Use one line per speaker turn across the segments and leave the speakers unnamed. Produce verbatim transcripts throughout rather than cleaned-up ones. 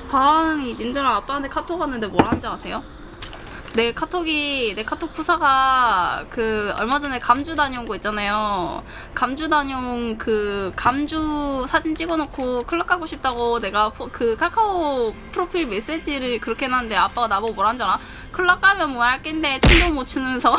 아니 님들아 아빠한테 카톡 왔는데 뭐라는지 아세요? 내 카톡이 내 카톡 푸사가 그 얼마 전에 감주 다녀온 거 있잖아요. 감주 다녀온 그 감주 사진 찍어놓고 클럽 가고 싶다고 내가 포, 그 카카오 프로필 메시지를 그렇게 해놨는데 아빠가 나보고 뭐라는 줄 알아? 클럽 가면 뭐 할 낀데 춤도 못 추면서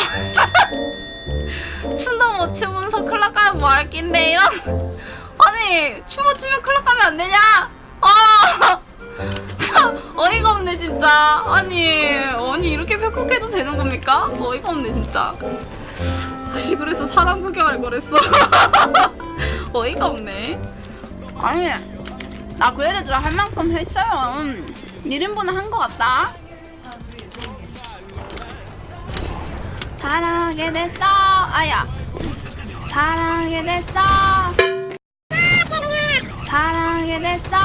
춤도 못 추면서 클럽 가면 뭐 할 낀데 이런. 아니 춤 못 추면 클럽 가면 안 되냐? 아 어이가 없네 진짜. 아니 아니 이렇게 팩폭해도 되는 겁니까? 어이가 없네 진짜. 혹시 그래서 사람 구경할 거랬어. 어이가 없네. 아니 나 그래도 할 만큼 했어요. 일 인분은 한 거 같다. 사랑하게 됐어. 아야 사랑하게 됐어. 사랑하게 됐어.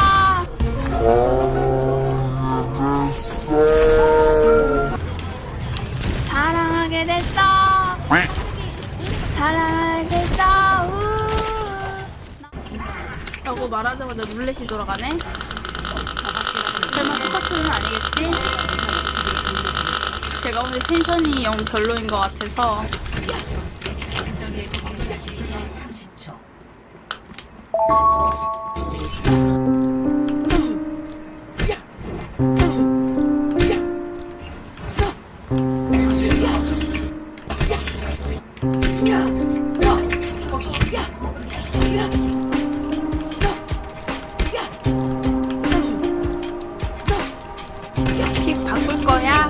사랑하게 됐어. 사랑하게 됐어. 라고 말하자마자 룰렛이 돌아가네. 설마 스파크는 아니겠지? 제가 오늘 텐션이 영 별로인 것 같아서. 픽 바꿀 거야?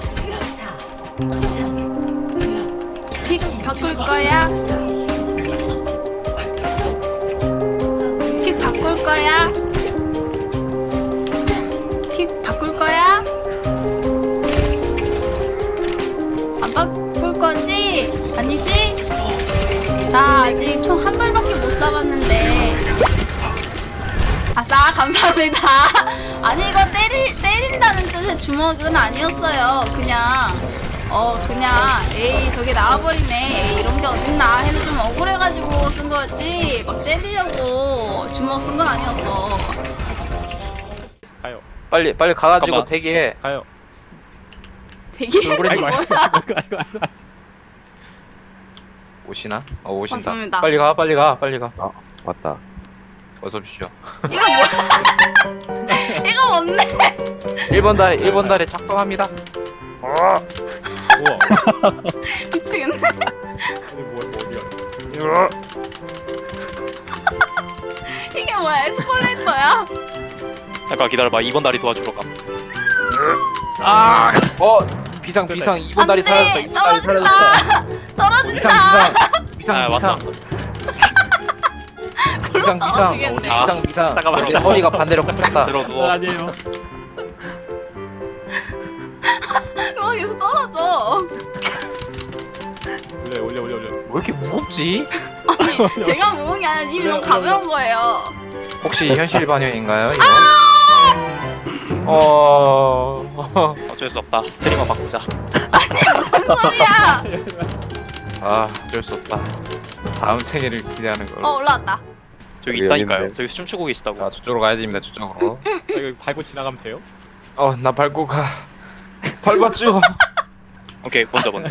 픽 바꿀 거야? 픽 바꿀 거야? 픽 바꿀 거야? 안 바꿀 거지? 아니지? 나 아직 총 한 발밖에 못 쏴봤는데. 아싸 감사합니다. 아니 이거 때리, 때린다는 뜻의 주먹은 아니었어요. 그냥 어 그냥 에이 저게 나와버리네 에이 이런 게 어딨나 해서 좀 억울해가지고 쓴 거였지 막 때리려고 주먹 쓴 건 아니었어.
가요.
빨리 빨리 가가지고
잠깐만.
대기해.
가요.
되게
얼굴에
뭐야?
오시나? 어 오신다.
맞습니다.
빨리 가 빨리 가 빨리 가.
아 맞다.
어서 오십시오.
이거 뭐야? 이거 뭔데?
일 번 다리 일 번 다리 작동합니다.
우와.
미치겠네.
이게 뭐야 뭐 어디야?
이게 뭐야? 에스컬레이터야?
잠깐 기다려봐. 이 번 다리 도와주러 가.
아! 어 비상 비상 이 번 다리 사라졌다. 이
안돼
번 다리
떨어진다.
사라졌다.
떨어진다.
비상
아,
비상
왔다.
비상 비상 비상
떨어지겠네.
아,
비상 비상.
잠깐만.
내 허리가 반대로 꺾였다.
들어 누워.
아니에요.
여기서 떨어져.
올려 올려 올려 올려.
왜 이렇게 무겁지?
아니 제가 먹은 게 아니라 이미 너무 가벼운 거예요.
혹시 현실 반영인가요? 이거?
아!
어...
어쩔 수 없다. 스트리머 바꾸자.
무슨 소리야?
아 어쩔 수 없다. 다음 생일을 기대하는 걸로.
어 올라왔다.
저기
여기
있다니까요.
있는데.
저기 춤추고 계시다고.
자 저쪽으로 가야 됩니다. 저쪽으로.
아, 이거 밟고 지나가면 돼요?
어 나 밟고 가. 밟았죠.
오케이 먼저 먼저.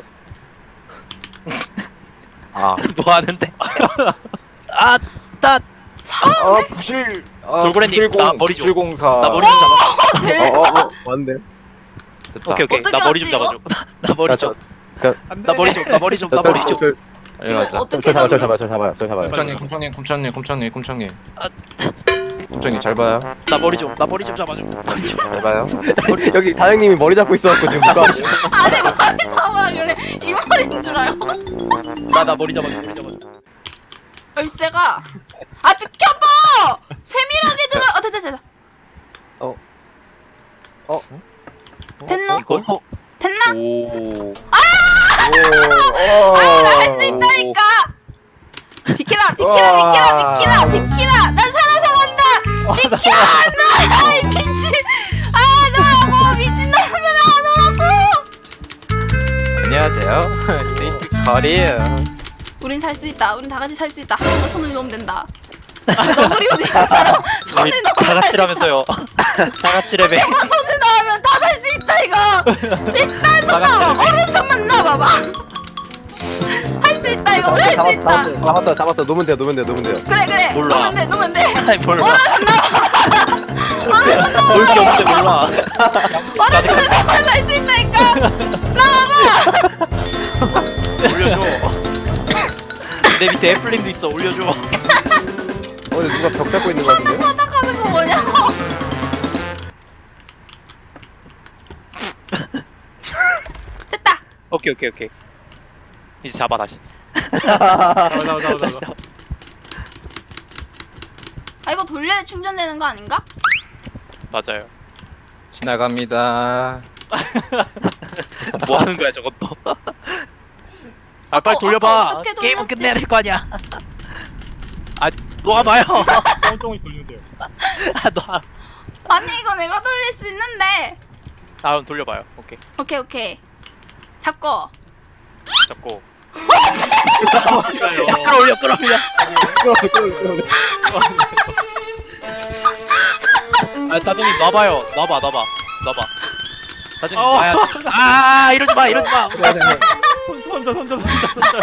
아,
뭐 하는데? 아, 나,
아 부실. 아,
돌고래님,
부실공,
나 머리 좀.
부실공사.
나 머리 좀 잡아줘.
대박.
어어 어, 맞네.
됐다.
오케이 오케이.
어떻게
나 머리 좀
하지,
잡아줘. 나 머리 좀.
안
나 머리 좀. 나 머리 좀. 나 머리 좀.
빨리 가자.
어떻게
저 잡아요, 저
잡는
잡아요, 저 잡아요, 저 잡아요.
곰창님, 곰창님, 곰창님, 곰창님, 곰창님.
아.
곰창님 잘 봐요.
나 머리 좀. 나 머리 좀 잡아줘. 머리 좀.
잘 봐요.
여기 다영님이 머리 잡고 있어갖고 지금 누가
아니 머리 잡으라 그래. 이 머리인 줄 알고.
나 나 머리 잡아줘. 머리 잡아줘.
열쇠가 아 비켜봐. 세밀하게 들어. 어 됐다 됐다.
어. 어?
됐노?
이걸?
됐나?
오.
할 수 있다니까. 비키라 비키라 비키라 비키라 비키라. 난 살아서 간다. 비켜 나. 아이 미친. 아나뭐 미친놈들아 너라고.
안녕하세요. 세인트 카리에요.
우린 살 수 있다. 우린 다 같이 살 수 있다. 한 번 손을 놓으면 된다. 너구리 오니처럼 손을
우리
넣어.
다 같이라면서요. 다 같이 레벨.
손을 넣으면 다 살 수 있다 이거. 일단 손 넣어. 오른손만 넣어봐봐. 할 수 있다 이거. 할 수
잡았어
있다.
잡았어 잡았어 잡았어 놓으면 돼요 놓으면 돼요 놓으면 돼요.
그래 그래.
몰라.
놓으면 돼 놓으면 돼.
아니 몰라.
오른손 넣어. 오른손 넣어.
볼게 없는데 몰라.
오른손을 넣으면 살 수 있다니까. 나와봐.
올려줘. 내 밑에 애플링도 있어. 올려줘.
어 근데 누가 벽 잡고 있는 거 같은데요?
바닥하는 거 뭐냐고. 됐다.
오케이 오케이 오케이. 이제 잡아 다시.
잡아 잡아 잡아 잡아.
아 이거 돌려야 충전되는 거 아닌가?
맞아요.
지나갑니다.
뭐 하는 거야 저것도. 아
어,
빨리
어,
돌려봐.
어떻게
게임은
돌렸지?
끝내야 될 거 아니야. 아 놓아봐요.
똥똥이 돌리는데요.
아 놓아.
아니 이거 내가 돌릴 수 있는데.
다음 돌려봐요. 오케이.
오케이 오케이. 잡고.
잡고.
그러니까요.
끌어올려 끌어올려. 아 다정님 놔봐요. 놔봐 놔봐 놔봐. 다정님
어.
놔야지. 아 이러지 마 이러지 마.
혼자 혼자 혼자 혼자.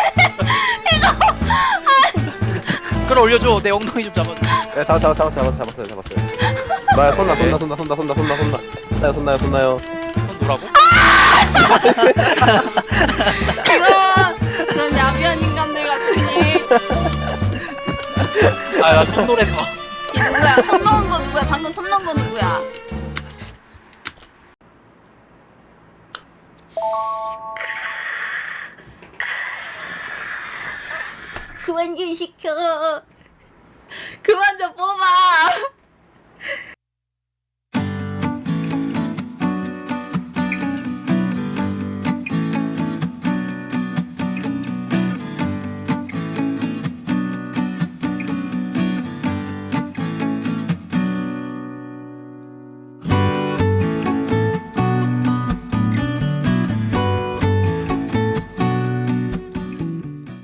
끌어올려줘. 내 엉덩이 좀 잡아줘.
네, 잡았 잡았 잡았 잡았 잡았어요 잡았어요. 나야 손나 손나 손나 손나 손나 손나 손나 손나요 손나요 손나요.
손 놓으라고?
그런 그런 야비한 인간들 같으니.
아나손 노래서.
이 누구야? 손 넣은 거 누구야? 방금 손 넣은 거 누구야? 그만 좀 시켜. 그만 좀 뽀.